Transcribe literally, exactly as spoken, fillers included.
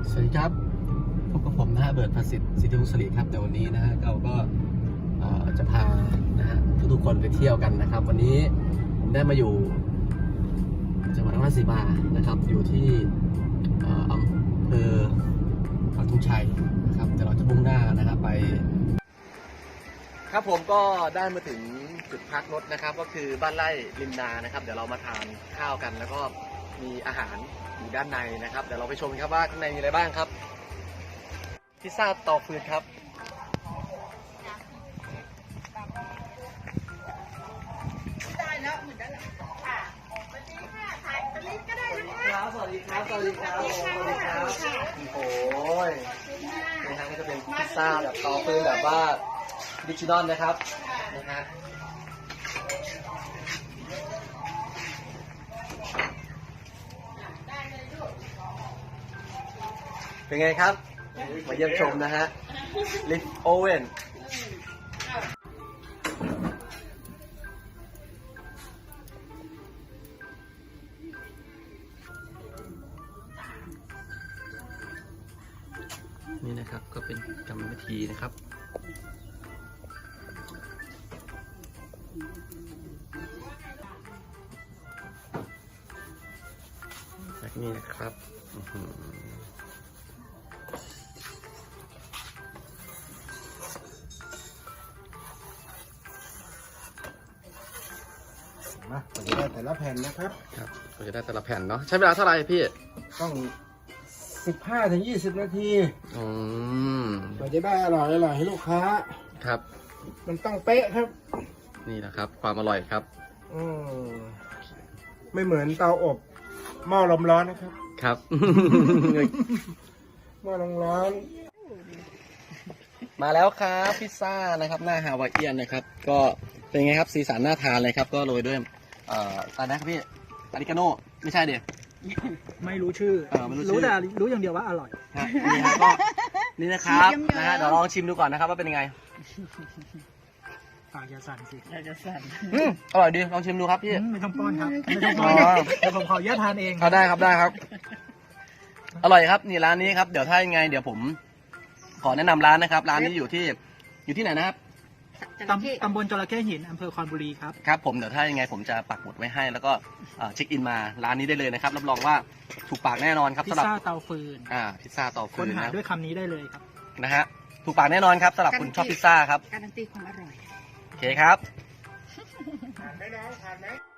สวัสดีครับพบกับผมนะฮะเบิร์ดประสิทธิ์สิทธิวงศ์ศิริครับแต่วันนี้นะฮะเราก็จะพานะฮะทุกๆคนไปเที่ยวกันนะครับ วันนี้ผมได้มาอยู่จังหวัดนครราชสีมานะครับอยู่ที่อำเภอปักธงชัยนะครับเดี๋ยวเราจะมุ่งหน้านะครับไปครับผมก็ได้มาถึงจุดพักรถนะครับก็คือบ้านไร่ริมนานะครับเดี๋ยวเรามาทานข้าวกันแล้วก็มีอาหารอยู่ด้านในนะครับเดี๋ยวเราไปชมครับว่าข้างในมีอะไรบ้างครับพิซซ่าเตาฟืนครับได้แล้วเหมือนกันค่ะสวัสดีค่ะถ่ายตะลิก็ได้นะคะสวัสดีครับสวัสดีครับสวัสดีครับโอ้ยนี่ฮะก็จะเป็นพิซซ่าแบบเตาฟืนแบบว่าดิจิทัลนะครับนะฮะเป็นไงครับมาเยี่ยมชมนะฮะลิฟโอเว่นนี่นะครับก็เป็นกรรมวิธีนะครับแบบนี้นะครับมาเราจะได้แต่ละแผ่นนะครับครับเราจะได้แต่ละแผ่นเนาะใช้เวลาเท่าไหร่พี่ต้องสิบห้าถึงยี่สิบนาทีอืมเราจะได้อร่อยอร่อยให้ลูกค้าครับมันต้องเป๊ะครับนี่แหละครับความอร่อยครับอืมไม่เหมือนเตาอบหม้อลมร้อนนะครับครับหม้อลมร้อนมาแล้วครับพิซซ่านะครับหน้าฮาวายเอียนนะครับก็เป็นไงครับสีสันน่าทานเลยครับก็โรยด้วยเอ่ออะไรนะครับพี่อาริกาโน่ไม่ใช่เดี๋ยวไม่รู้ชื่อเออไม่รู้แต่รู้อย่างเดียวว่าอร่อยนี่ครับก็นี่นะครับนะฮะเดี๋ยวลองชิมดูก่อนนะครับว่าเป็นยังไงปากจะสั่นสิอยากจะสั่นอร่อยดีลองชิมดูครับพี่ไม่ต้องป้อนครับไม่ต้องป้อนเดี๋ยวผมขอแยกทานเองเขาได้ครับได้ครับอร่อยครับนี่ร้านนี้ครับเดี๋ยวถ้ายังไงเดี๋ยวผมขอแนะนำร้านนะครับร้านนี้อยู่ที่อยู่ที่ไหนนะครับตำบลจระเข้หินอำเภอคอนบุรีครับครับผมเดี๋ยวถ้ายังไงผมจะปักหมุดไว้ให้แล้วก็เช็คอินมาร้านนี้ได้เลยนะครับรับรองว่าถูกปากแน่นอนครับพิซซ่าเตาฟืนอ่าพิซซ่าเตาฟืนค้นหาด้วยคำนี้ได้เลยครับนะฮะถูกปากแน่นอนครับสำหรับคุณชอบพิซซ่าครับการันตีความอร่อยโอเคครับผ่านไหมน้องผ่านไหม